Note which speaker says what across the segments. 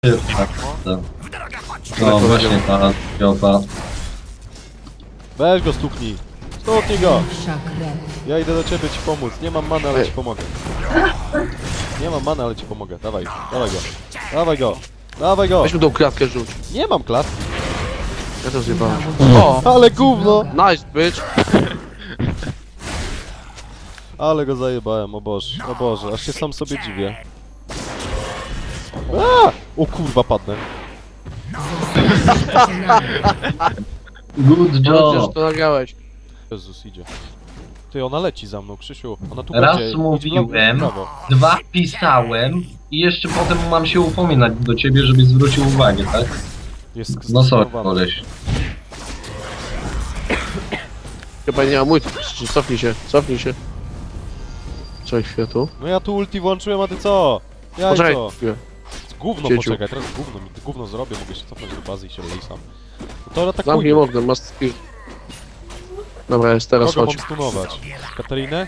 Speaker 1: No właśnie ta piopa.
Speaker 2: Weź go stuknij. Stuknij go. Ja idę do ciebie ci pomóc. Nie mam many, ale ci pomogę. Nie mam many, ale ci pomogę. Dawaj, dawaj go. Dawaj go. Dawaj go.
Speaker 3: Weź mu tą klatkę rzuć.
Speaker 2: Nie mam klatki.
Speaker 3: Ja to zjebałem. O!
Speaker 2: Ale gówno.
Speaker 3: Nice, bitch!
Speaker 2: Ale go zajebałem, o Boże, aż się sam sobie dziwię. A! O kurwa, padnę.
Speaker 1: Good
Speaker 3: Dobrze, że
Speaker 1: job!
Speaker 3: to nagrałeś.
Speaker 2: Jezus, idzie. Ty, ona leci za mną, Krzysiu. Ona tu
Speaker 1: Raz
Speaker 2: będzie. Idź w
Speaker 1: mówiłem,
Speaker 2: prawo.
Speaker 1: dwa pisałem i jeszcze potem mam się upominać do ciebie, żebyś zwrócił uwagę, tak?
Speaker 2: Jest
Speaker 1: No sorry,
Speaker 2: skastrowana.
Speaker 1: koleś.
Speaker 3: Chyba nie ma mój. Cofnij się, cofnij się. Co światu?
Speaker 2: No ja tu ulti włączyłem, a ty co? Ja
Speaker 3: Poczekaj
Speaker 2: co?
Speaker 3: chwilę.
Speaker 2: Gówno
Speaker 3: Cieciu.
Speaker 2: poczekaj, teraz gówno zrobię, mogę się cofnąć do bazy i się lej sam. No to
Speaker 3: Zamknij
Speaker 2: atakuje.
Speaker 3: okno, masz skill. Dobra, jest teraz
Speaker 2: Kogo
Speaker 3: chodź.
Speaker 2: mam stunować? Katarinę?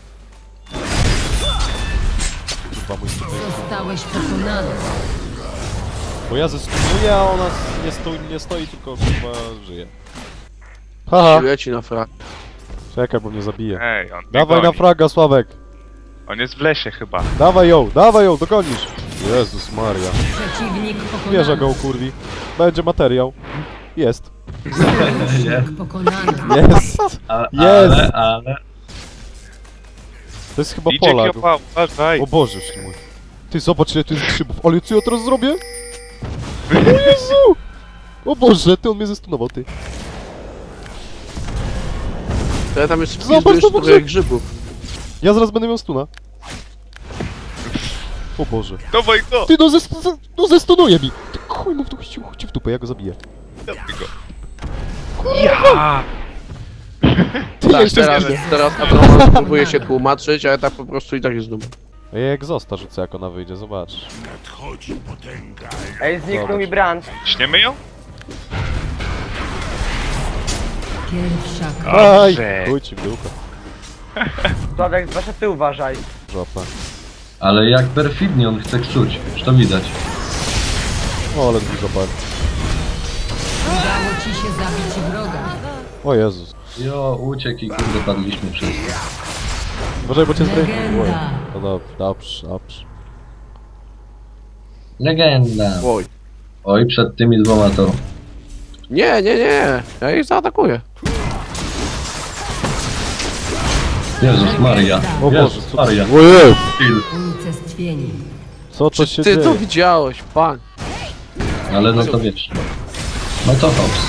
Speaker 2: Kurwa, mój tutaj.
Speaker 4: Zostałeś pokonany.
Speaker 2: Bo ja zestunuję, a ona nie stoi, tylko chyba żyje. Haha.
Speaker 3: Leci na frak.
Speaker 2: Czekaj, bo mnie zabije.
Speaker 5: Ej, on mnie
Speaker 2: Dawaj na
Speaker 5: goni.
Speaker 2: fraga, Sławek.
Speaker 5: On jest w lesie chyba.
Speaker 2: Dawaj ją, dogonisz. Jezus Maria.
Speaker 4: Przeciwnik pokonany.
Speaker 2: Wieża go ukurwi. Będzie materiał. Jest.
Speaker 4: Przeciwnik pokonany.
Speaker 2: Jest. Jest.
Speaker 1: Ale...
Speaker 2: To jest chyba
Speaker 5: Idzie
Speaker 2: Polak.
Speaker 5: kiełba, uważaj.
Speaker 2: O Boże mój. Ty zobacz ile tu jest grzybów. Ale co ja teraz zrobię? O Jezu! O Boże, ty on mnie zestunował, ty.
Speaker 3: To ja tam jest
Speaker 2: Zobacz,
Speaker 3: wpis,
Speaker 2: zobacz,
Speaker 3: trochę grzybów.
Speaker 2: Ja zaraz będę miał stuna. O Boże.
Speaker 5: Dawaj go!
Speaker 2: Ty no zestunuje mi! Ty chuj mu w dupę, chodź w dupę, ja go zabiję.
Speaker 5: Dawaj go. Ja!
Speaker 2: Ty
Speaker 3: Tak,
Speaker 2: jeszcze
Speaker 3: teraz Abraman próbuje się tłumaczyć, ale tak po prostu i tak jest dum.
Speaker 2: Ja egzosta rzucę jak ona wyjdzie, zobacz.
Speaker 6: Ej, zniknął
Speaker 2: Zobacz.
Speaker 6: mi brand.
Speaker 5: Śniemy ją?
Speaker 4: Pierwsza krew.
Speaker 2: Aj!
Speaker 5: Dobrze.
Speaker 2: Chuj ci w dupę.
Speaker 6: Sławek, zwłaszcza ty uważaj.
Speaker 2: Żopę.
Speaker 1: Ale jak perfidnie on chce ksuć, już to widać.
Speaker 2: O, ale dużo par.
Speaker 4: Udało ci się zabić wroga.
Speaker 2: O Jezus.
Speaker 1: Jo, uciekł i kurde padliśmy wszyscy.
Speaker 2: Uważaj, bo cię zdejmę.
Speaker 4: Legenda.
Speaker 2: No dobrze.
Speaker 1: Legenda.
Speaker 3: Oj.
Speaker 1: Oj, przed tymi dwoma to...
Speaker 3: Nie, ja ich zaatakuję.
Speaker 1: Jezus Maria.
Speaker 2: O Boże,
Speaker 1: Jezus
Speaker 2: co
Speaker 1: Maria.
Speaker 2: Ojej!
Speaker 1: Kill.
Speaker 4: Unicestwieni.
Speaker 2: Co to się
Speaker 3: Ty to
Speaker 2: dzieje?
Speaker 3: widziałeś, pan.
Speaker 1: Ale no to wiesz. No to hops.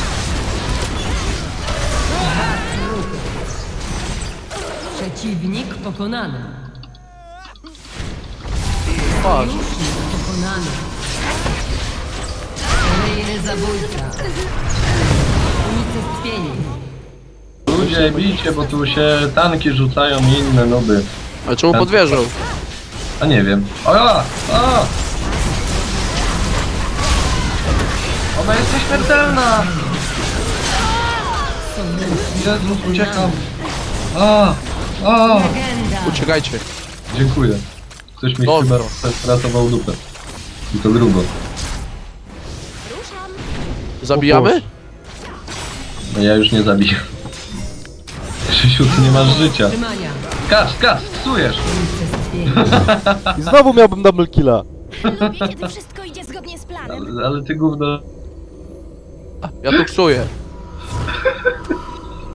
Speaker 4: Przeciwnik pokonany.
Speaker 3: Patrz.
Speaker 4: Sojusznik pokonany. Kolejny zabójca. Unicestwieni.
Speaker 1: Ludzie, bijcie, bo tu się tanki rzucają i inne noby.
Speaker 3: Ale czemu pod wieżą?
Speaker 1: A nie wiem. O ja! A! Ona jest nieśmiertelna! Jezus, uciekam! A! A!
Speaker 4: Legenda.
Speaker 3: Uciekajcie.
Speaker 1: Dziękuję. Ktoś mi
Speaker 3: Dobrze.
Speaker 1: chyba stratował dupę. I to grubo.
Speaker 3: Zabijamy?
Speaker 1: No ja już nie zabiję. Krzysiu, ty nie masz życia.
Speaker 4: Trzymania.
Speaker 1: Skacz, psujesz!
Speaker 4: Unicestwieni.
Speaker 2: I znowu miałbym double killa.
Speaker 7: Lubię, kiedy wszystko idzie zgodnie z planem.
Speaker 1: Ale ty gówno...
Speaker 3: Ja tu ksuję.